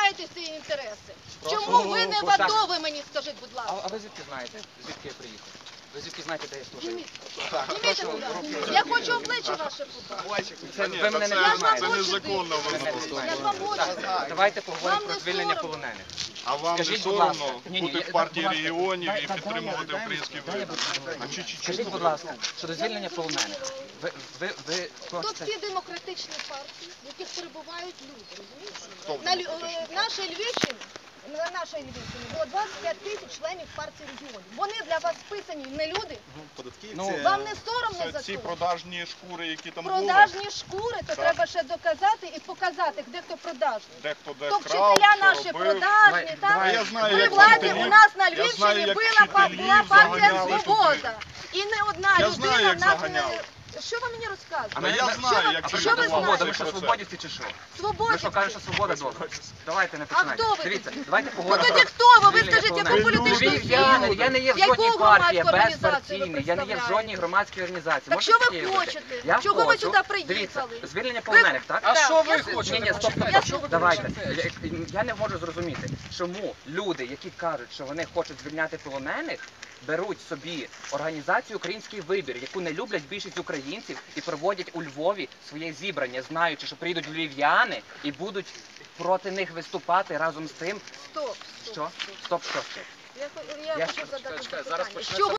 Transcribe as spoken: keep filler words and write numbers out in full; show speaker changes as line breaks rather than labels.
захищаєте ці інтереси? Чому ви не в АТО, ви мені скажіть, будь ласка?
А ви звідки знаєте, звідки я приїхав? Ви звідки знаєте, де я служив?
Зніміть, будь ласка. Я хочу обличчя ваше побачити.
Це ви мене не
Я
знаєте.
ж вам
незаконно
очі
ви
дивлюся. Я ж вам очі дивлюся.
Давайте поговоримо
Вам
про
не
звільнення
соромно?
полонених.
А вам не
Скажіть, будь ласка.
соромно
Ні, ні,
бути
я-
в партії
будь ласка,
регіонів
дай-
і
дай-
підтримувати
дай-
український
дай я
вибір?
буду-
А чи- чи- чи-
Скажіть, будь ласка, щодо звільнення полонених. Ви, ви, ви
Тут
хочете...
всі демократичні партії, в яких перебувають люди, розумієте?
Хто в
На Лю-
демократичних?
е, нашій Львівщині, на нашій Львівщині було двадцять п'ять тисяч членів партії регіонів. Вони для вас списані не люди?
Ну,
Вам не соромно
Це
за
ці
це?
продажні шкури, які там були,
Продажні шкури, то
Так.
треба ще доказати і показати, де хто продажний.
дехто де
То
крав,
вчителя
що
наші
робив.
продажні,
Давай,
так?
давай,
я знаю,
При
як
владі
вчителів-
у нас на
я знаю,
Львівщині
як
була, па-
вчителів
була партія
заганяли
«Свобода». І не одна
Я
людина
знаю, як
в нас не...
заганяли.
Що ви мені розказуєте?
А
Та
ми-
я
ми-
знаю,
що ви-
як
А
це
що ви
при чому
знаєте?
свобода? Ви
відбувається
що,
процес.
свободівці чи що?
Свободі.
Ви що кажете, що свобода добре? Давайте не
А
починайте.
хто ви
Дивіться,
тоді?
давайте
Ну
поговоримо
тоді
про
хто ви? Ви
звільнення
скажіть, яку
полонених.
політичну
Львів'яни,
силу?
я не є в
Яку
жодній партії,
громадську організацію ви
безпартійний, я не є в
представляєте?
жодній громадській організації.
Так
Можете
що ви
таке уявити?
хочете?
Я
Чого ви
хочу.
сюди
Дивіться,
приїхали?
звільнення полонених, так?
А що ви
Ні, ні, стоп,
Я
стоп,
слухаю.
давайте. Я, я не можу зрозуміти, чому люди, які кажуть, що вони хочуть звільняти полонених, беруть собі організацію «Український вибір», яку не люблять більшість українців, і проводять у Львові своє зібрання, знаючи, що приїдуть львів'яни і будуть проти них виступати разом з тим.
Стоп, стоп.
Що? Стоп, що?
Я, я,
Я
хочу
ж-
задати
чекай, чекай,
запитання.
зараз
Чого